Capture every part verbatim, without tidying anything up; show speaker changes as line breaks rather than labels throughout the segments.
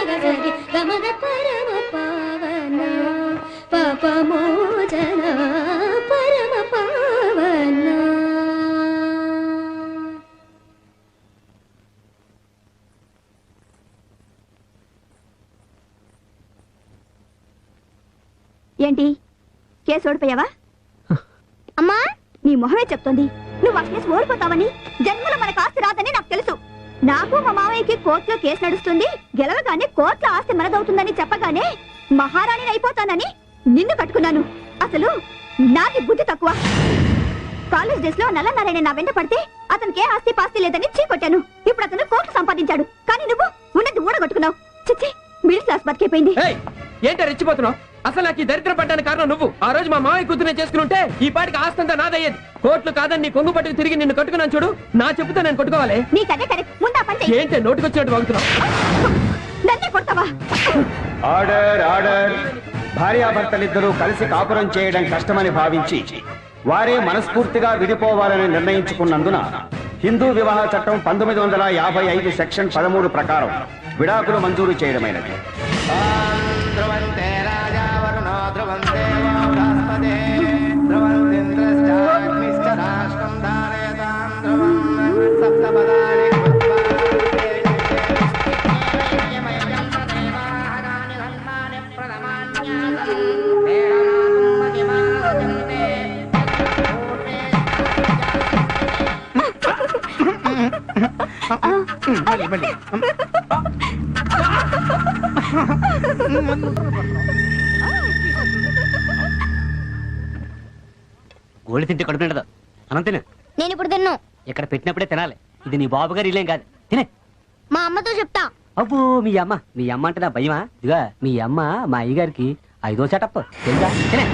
గగరి గమద పరమ పావన పాపమోచన పరమ పావన.
ఏంటి కేసు ఓడిపోయావా? అమ్మా నీ మొహమే చెప్తోంది నువ్వు ఆ కేసు ఓడిపోతావని. జన్మలో మనకు ఆస్తి రాదని నాకు తెలుసు. నాకు మా మామయ్యకి కోర్టులో కేసు నడుస్తుంది, గెలవగానే కోర్టులో ఆస్తి మనదవుతుందని చెప్పగానే మహారాణిని అయిపోతానని నిన్ను కట్టుకున్నాను. అసలు నాకి బుద్ధి తక్కువ. కాలేజ్ డేస్ లో నల్లనారాయణ నా వెంట పడితే అతనికి ఏ ఆస్తి పాస్తి లేదని చీకొట్టాను. ఇప్పుడు అతను కోర్టు సంపాదించాడు, కానీ నువ్వు ఉన్నది ఊడగొట్టుకున్నావు. చిచ్చి మిడిల్ క్లాస్ బతికైపోయింది.
ఏంటో రెచ్చిపోతున్నావు? అసలు నాకు ఈ దరిద్రం పడ్డానికి కారణం నువ్వు. ఆ రోజు మా మామయ్య కూతురునే చేసుకుంటే ఈ పాటికి ఆస్తంతా నాదయ్యేది. కోర్టులు కాదని నీ కొంగు పట్టుకు తిరిగి నిన్ను కట్టుకున్నాను చూడు. నా చెప్పుతో నేను కొట్టుకోవాలి. ఏంటి నోటికొచ్చినట్టు వాగుతున్నావు?
Order order. భార్యాభర్తలిద్దరూ కలిసి కాపురం చేయడం కష్టమని భావించి వారే మనస్ఫూర్తిగా విడిపోవాలని నిర్ణయించుకున్నందున హిందూ వివాహ చట్టం పంతొమ్మిది వందల యాభై ఐదు సెక్షన్ పదమూడు ప్రకారం విడాకులు మంజూరు చేయడమైనది.
గోళి తింటే కడుపు నిండదు. అనం తిను.
నేను ఇప్పుడు తిన్ను.
ఇక్కడ పెట్టినప్పుడే తినాలి. ఇది నీ బాబు గారు ఇల్లేం కాదు. తినే.
మా అమ్మతో చెప్తా.
అబ్బో మీ అమ్మ మీ అమ్మ అంటే నా భయమా? ఇదిగా మీ అమ్మ మా అయ్యగారికి ఐదో సెటప్ తెలుసా? తినే.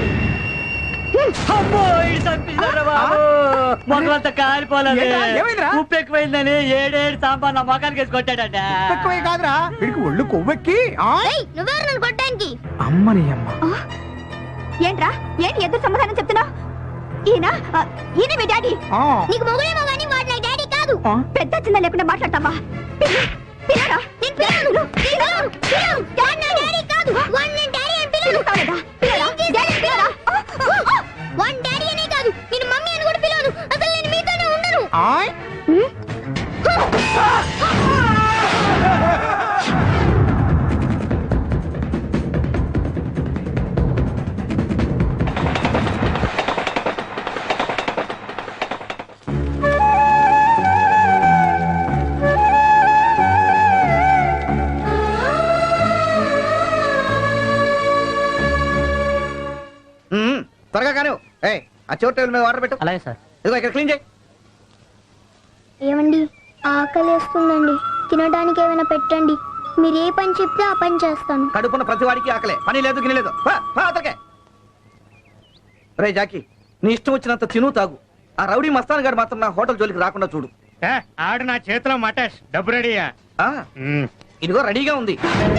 మొదలంతా కాలిపోలేదు. ఉప్పు ఎక్కువైందని ఏడేడు సాంబార్ నా మొఖానికి వేసి కొట్టాడట.
కాదురా వీడికి ఒళ్ళు కొవ్వెక్కి.
నువ్వెవరు నన్ను కొట్టడానికి?
అమ్మని అమ్మ.
ఏంట్రా ఏంటి ఎదురు సమాధానం చెప్తున్నావు? ఈయన ఈయన మీ డాడీ.
నీకు మొగుడేమో కానీ వాడు నా డాడీ కాదు.
పెద్ద చిన్న లేకుండా మాట్లాడతావా? పిల్లరా నేను పిల్లలు పిల్లలు పిల్లలు డాడీ నా డాడీ కాదు.
వాడు నేను డాడీ అని పిలుస్తాడట.
పిల్లరా డాడీ పిల్లరా
వాడు డాడీ అనే కాదు నేను మమ్మీ అని కూడా పిలవను. అసలు నేను మీతోనే ఉండను.
త్వరగా కానీ ఆ చోటు టేబుల్ మీద వాటర్ పెట్టు.
అలాగే సార్.
ఇదిగో ఇక్కడ క్లీన్ చేయి.
ఏమండి ఆకలేస్తుందండి, తినడానికి ఏమైనా పెట్టండి. మీరు ఏ పని చెప్తే ఆ పని చేస్తాను.
కడుపున ప్రతి వాడికి ఆకలే, పని లేదు గిని లేదు. రే జాకి నీ ఇష్టం వచ్చినంత తిను తాగు. ఆ రౌడీ మస్తాన్ గారు మాత్రం నా హోటల్ జోలికి రాకుండా చూడు.
ఆడు నా చేతిలో మటాష్ డబ్బు రెడీయా?
ఇదిగో రెడీగా ఉంది.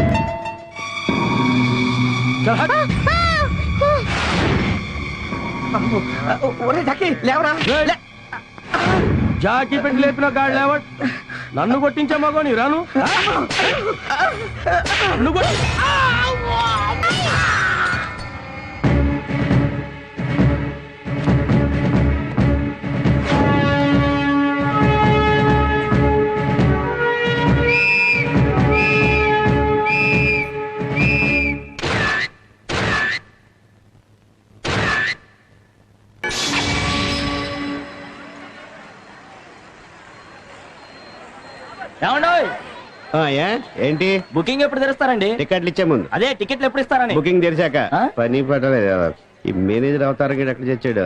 జాకీ పెట్టి లేపిన గాడు లేవ. నన్ను కొట్టించే మగోని రాను.
ఏంటి
బుకింగ్ ఎప్పుడు తెరుస్తారండి?
టికెట్లు ఇచ్చే ముందు.
అదే టికెట్లు ఎప్పుడు ఇస్తారని.
బుకింగ్ తెరిచాక. పని పట్టలేదు. ఈ మేనేజర్ అవతారం ఎక్కడ తెచ్చాడు?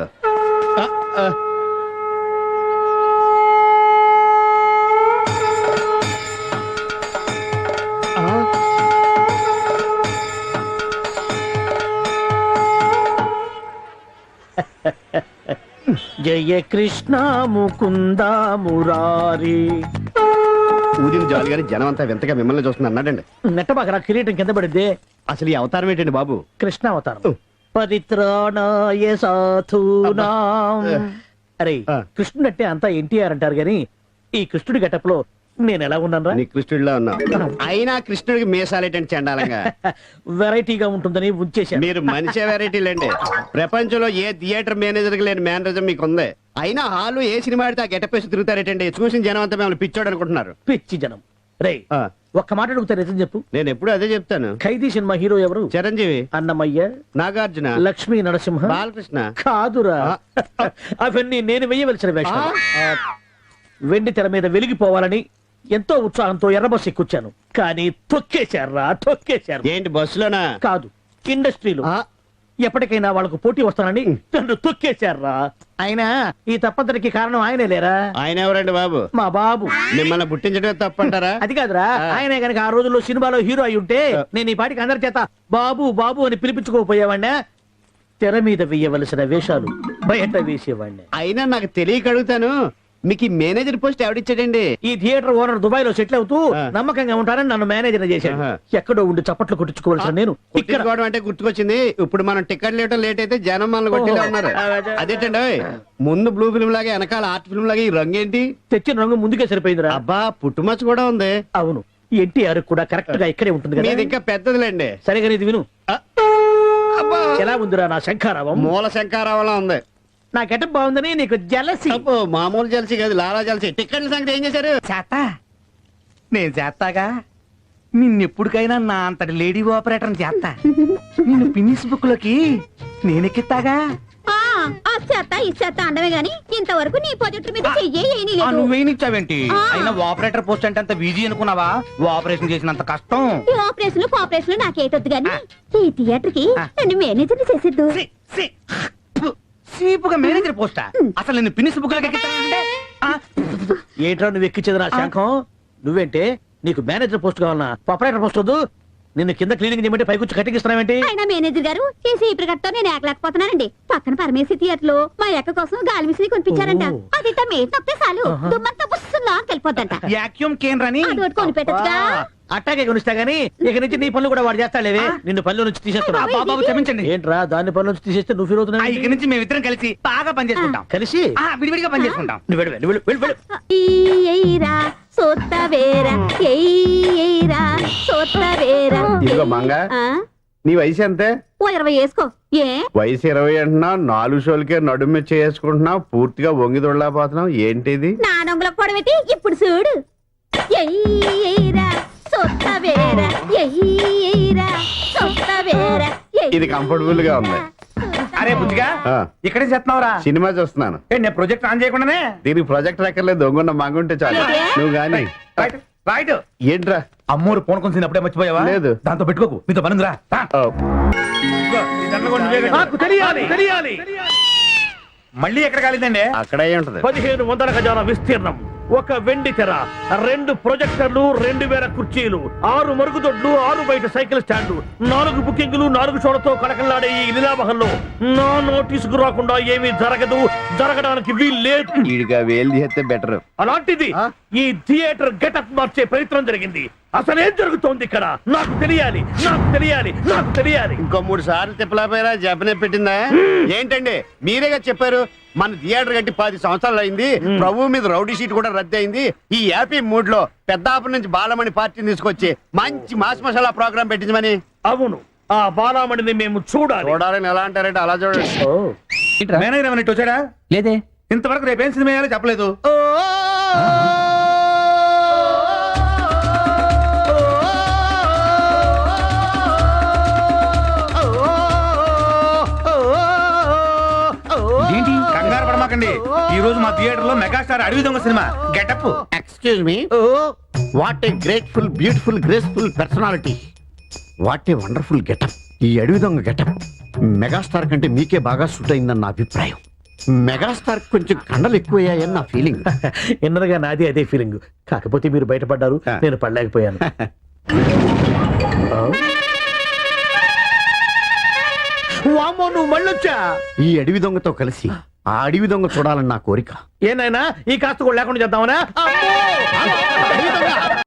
జయ కృష్ణ ముకుంద మురారి.
ఊదిన జాలి గారి జనం అంతా వింతగా మిమ్మల్ని చూస్తుంది అన్నాడండి.
నెట్టబాక కిరీటం కింద పడింది.
అసలు ఈ అవతారం ఏంటండి బాబు?
కృష్ణ అవతారం. పరిత్రాణాయ సాధూనాం. అరే కృష్ణుడు అంటే అంతా ఎన్టీఆర్ అంటారు గాని ఈ కృష్ణుడి గెటప్ లో
నేను ఎలా ఉన్నాను
నీ కృష్ణుడిలో ఉన్నావు. అయినా కృష్ణుడికి మీసాలేటండి చండాలంగా.
వెరైటీగా ఉంటుందని ఉంచేశాను.
మీరు మనిషి వెరైటీలండి. ప్రపంచంలో ఏ థియేటర్ మేనేజర్ లేని మేనరిజం మీకు ఉంది. అయినా హాలు ఏ సినిమా ఆడితే ఆ గెటప్ వేసి తిరుగుతారేటండి. చూసిన జనం అంతా మిమ్మల్ని పిచ్చోడు అనుకుంటున్నారు.
పిచ్చి జనం. రే
ఆ,
ఒక్క మాట అడుగుతా, నిజం చెప్పు.
నేను ఎప్పుడు అదే చెప్తాను.
ఖైదీ సినిమా హీరో ఎవరు?
చిరంజీవి,
అన్నమయ్య,
నాగార్జున,
లక్ష్మీ నరసింహ,
బాలకృష్ణ.
కాదురా, అవన్నీ నేను వెయ్యవలసిన వేషాలు. వెండి తెర మీద వెలిగిపోవాలని ఎంతో ఉత్సాహంతో ఎర్రబస్ ఎక్కుచ్చాను, కానీ తొక్కేశారా తొక్కేశారు.
ఏంటి బస్సులోనా?
కాదు, ఇండస్ట్రీలో.
ఆ,
ఎప్పటికైనా వాళ్ళకు పోటీ వస్తానని నన్ను తొక్కేశారా. అయినా ఈ తప్పంతటికి కారణం ఆయనే లేరా?
ఆయన ఎవరండి బాబు?
మా బాబు.
మిమ్మల్ని పుట్టించడమే తప్పంటారా?
అది కాదురా, ఆయనే గనక ఆ రోజుల్లో సినిమాలో హీరో అయి ఉంటే నేను ఈ పాటికి అందరి చేత బాబు బాబు అని పిలిపించుకోపోయేవాడినా. తెర మీద వేయవలసిన వేషాలు బయట వేసేవాడిని.
అయినా నాకు తెలియక అడుగుతాను, మీకు ఈ మేనేజర్ పోస్ట్ ఎవడిచ్చాడండి?
ఈ థియేటర్ ఓనర్ దుబాయ్ లో సెటిల్ అవుతూ
ఆ.
నమ్మకంగా ఉంటానని నన్ను మేనేజర్ చేశాడు.
ఆహా.
ఎక్కడో ఉండి చప్పట్లు కొట్టించుకోవాల్సిన నేను ఇక్కడ
కొట్టించుకోవడం అంటే గుర్తుకొచ్చింది. ఇప్పుడు మనం టికెట్ లేటం లేట్ అయితే జనం మనల్ని కొట్టేలా ఉన్నారు. అదేంటండి ఓయ్, ముందు బ్లూ ఫిల్మ్ లాగా వెనకాల ఆర్ట్ ఫిల్మ్ లాగా ఈ రంగు ఏంటి?
తెచ్చిన రంగు ముందుకే సరిపోయిందిరా.
అబ్బా, పుట్టుమచ్చ కూడా ఉంది.
అవును, ఎన్టీఆర్ కూడా కరెక్ట్ గా ఇక్కడే ఉంటుంది
మీది
కదా.
ఇంకా పెద్దదిలేండి.
సరిగా ఇది విను.
ఆ, అబ్బా,
ఎలా ఉందిరా నా శంఖారావం?
మూల శంకారావలా ఉంది.
నా గెటప్ బాగుందని నీకు జలసి.
అబ్బో, మామూలు జలసి కాదు, లాలా జలసి. టికెట్ల సంగతి ఏం చేశారు?
చేస్తా నేను చేస్తాగా. నిన్నెప్పుడికైనా నా అంతటి లేడీ ఆపరేటర్ చేస్తా. నిన్ను పిన్నిస్ బుక్ లోకి నేనెక్కిస్తాగా.
ఆ, ఆ చేత ఈ చేత అండమే గాని ఇంతవరకు నీ ప్రాజెక్టు మీద చెయ్యే ఏమీ
ఆ,
లేదు.
నువ్వేనిచ్చావేంటి?
ఆ.
అయినా ఆపరేటర్ పోస్ట్ అంటే అంత బిజీ అనుకున్నావా? ఆపరేషన్ చేసినంత కష్టం.
ఈ ఆపరేషన్లు కోఆపరేషన్లు నాకేటొద్దు గాని ఈ థియేటర్ కి
ఆ.
నన్ను మేనేజర్ చేసేద్దు.
సి, సి, ఫు, సీపుగా మేనేజర్ పోస్టా? అసలు నిన్ను పిన్నిస్ బుక్ లోకి ఎక్కిస్తానంటే ఆ,
ఏట్రా నువ్వు ఎక్కించేది నా శంఖం? నువ్వేంటే నీకు మేనేజర్ పోస్ట్ కావాలన్నా ఆపరేటర్ పోస్ట్ వద్దు. నిన్ను కింద క్లీనింగ్ చేయమంటే పైకొచ్చి కట్టికిస్తున్నావేంటి?
ఆయన మేనేజర్ గారు చేసి ఈ ప్రకటనతో నేను ఏకలేకపోతున్నానండి. పక్కన పరమేశ్వరి థియేటర్ లో మా ఎక్క కోసం గాలి విసిరి కొనిపించారంట.
ఓ.
అది ఇట్ట మీద నొక్కితే చాలు
ఆహా.
దుమ్మంతా బుస్సులా వెళ్ళిపోద్దంట.
యాక్యూమ్ కేన్ రని
అదొకటి కొనిపెట్టచ్చుగా.
అట్టాగే కొనిస్తా గానీ ఇక నుంచి నీ పనులు కూడా వాడు చేస్తాడేవే. నిన్ను పనుల నుంచి తీసేస్తున్నా.
బాబాయ్,
బాబు క్షమించండి.
ఏంట్రా దాన్ని పనుల నుంచి తీసేస్తే నువ్వు ఫీల్
ఆ,
అవుతున్నావు?
ఇక నుంచి మేమిద్దరం కలిసి బాగా పనిచేసుకుంటాం.
కలిసి
ఆ, విడివిడిగా పనిచేసుకుంటాం.
నువ్వు వెళ్ళు, వెళ్ళు, వెళ్ళు, వెళ్ళు.
ఎయ్యిరా సోత్త వేరా ఎయ్యిరా సోత్త వేరా.
ఇదిగో మంగ,
ఆ?
నీ వయసు ఎంతే?
ఓ ఇరవై వేసుకో. ఏ
వయసు ఇరవై అంటున్నా, నాలుగు షోలకే నడుము చేసుకుంటున్నావు, పూర్తిగా వంగి దొడలేకపోతున్నావు. ఏంటిది?
నా నొంగులకు పొడవెట్టి ఇప్పుడు చూడు. ఎయ్యిరా సోత్త వేరా ఎయ్యిరా సోత్త వేరా.
ఇది కంఫర్టబుల్ గా ఉంది.
అరే బుద్ధిగా,
ఆ,
ఇక్కడే చేస్తున్నావురా?
సినిమా చూస్తున్నాను.
ఏ, నేను ప్రాజెక్ట్ ఆన్ చేయకుండానే
దీనికి ప్రాజెక్ట్ ఎక్కర్లేదు, దొంగ మంగుంటే చాలు. నువ్వు గాని
రైట్ రైట్.
ఏంట్రా?
అమ్మూరు ఫోన్ కొంచెం అప్పుడే మర్చిపోయావా?
లేదు.
దాంతో పెట్టుకోకు, మీతో పనుందిరా. రా.
ఓ,
ఇదిగో, ఈ దండలు కూడా నువ్వే కట్టు.
నాకు తెలియాలి తెలియాలి.
మళ్ళీ ఎక్కడ కాలేదండి?
అక్కడ అయి ఉంటది.
పదిహేను వందల గజాల విస్తీర్ణం, ఒక వెండి తెర, రెండు ప్రొజెక్టర్లు, రెండు వేల కుర్చీలు, ఆరు మరుగుదొడ్లు, ఆరు బయట సైకిల్ స్టాండ్, నాలుగు బుకింగ్లు, నాలుగు షోలతో కడకల్లాడే ఈ లీలామహల్లో నా నోటీసుకు రాకుండా ఏమీ జరగదు, జరగడానికి వీల్లేదు.
ఈడిగా వేలు చేస్తే బెటర్.
అలాంటిది
ఆ?
ఈ థియేటర్ గెటప్ మార్చే ప్రయత్నం జరిగింది. అసలేం జరుగుతోంది ఇక్కడ? నాకు తెలియాలి నాకు తెలియాలి నాకు తెలియాలి.
ఇంకో మూడు సార్లు తిప్పలేకపోయారా? జపనే పెట్టిందా? ఏంటండి మీరేగా చెప్పారు మన థియేటర్ కట్టి పది సంవత్సరాలు అయింది, ప్రభు మీద రౌడీ షీట్ కూడా రద్దు అయింది. ఈ హ్యాపీ మూడ్ లో పెద్దాపురం నుంచి బాలమణి పార్టీని తీసుకొచ్చి మంచి మాస్ మసాలా ప్రోగ్రామ్ పెట్టించమని.
అవును, ఆ బాలామణిని మేము చూడాలి.
చూడాలని ఎలా అంటారంటే అలా చూడండి.
ఓ,
మేనేజర్ ఏమన్నా ఇటు వచ్చాడా?
లేదే.
ఇంతవరకు రేపేం సినిమా వేయాలో చెప్పలేదు.
ఏంటి?
కంగారు పడమాకండి. ఈ రోజు మా థియేటర్ లో megastar Adavi Donga cinema getup.
Excuse me, what a grateful beautiful graceful personality, what a wonderful getup. ఈ అడవి దొంగ గెటప్ మెగాస్టార్ కంటే మీకే బాగా సూట్ అయిందని నా అభిప్రాయం. మెగాస్టార్ కొంచెం కండలు ఎక్కువయ్యాయని నా ఫీలింగ్.
ఎన్నరగా నాది అదే ఫీలింగ్. కాకపోతే మీరు బయటపడ్డారు, నేను పడలేకపోయాను. వామ్మో, నువ్వు మళ్ళొచ్చా?
ఈ అడవి దొంగతో కలిసి ఆ అడవి దొంగ చూడాలని నా కోరిక.
ఏనాయనా ఈ కాస్త కూడా లేకుండా చేద్దామనా? అమ్మో!